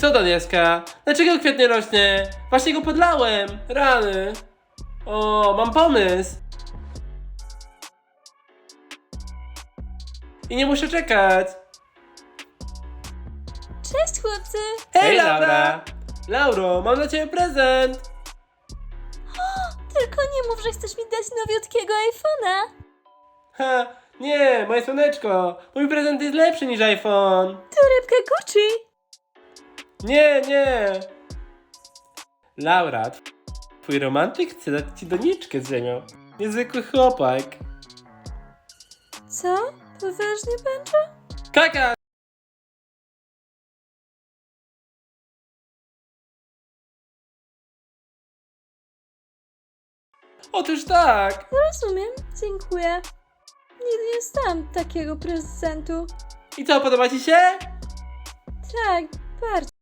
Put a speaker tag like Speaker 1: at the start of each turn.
Speaker 1: Co to deska? Dlaczego kwiat nie rośnie? Właśnie go podlałem! Rany! O, mam pomysł! I nie muszę czekać!
Speaker 2: Cześć chłopcy!
Speaker 1: Hej, Laura! Lauro, mam dla ciebie prezent!
Speaker 2: Tylko nie mów, że chcesz mi dać nowiutkiego iPhone'a.
Speaker 1: Ha, nie, moje słoneczko! Mój prezent jest lepszy niż iPhone!
Speaker 2: Torebka Gucci.
Speaker 1: Nie, nie! Laura, twój romantyk chce dać ci doniczkę z ziemią. Niezwykły chłopak.
Speaker 2: Co? Poważnie, Banjo?
Speaker 1: Kaka! Otóż tak!
Speaker 2: Rozumiem, dziękuję. Nigdy nie dostałam takiego prezentu.
Speaker 1: I co, podoba ci się?
Speaker 2: Tak, bardzo.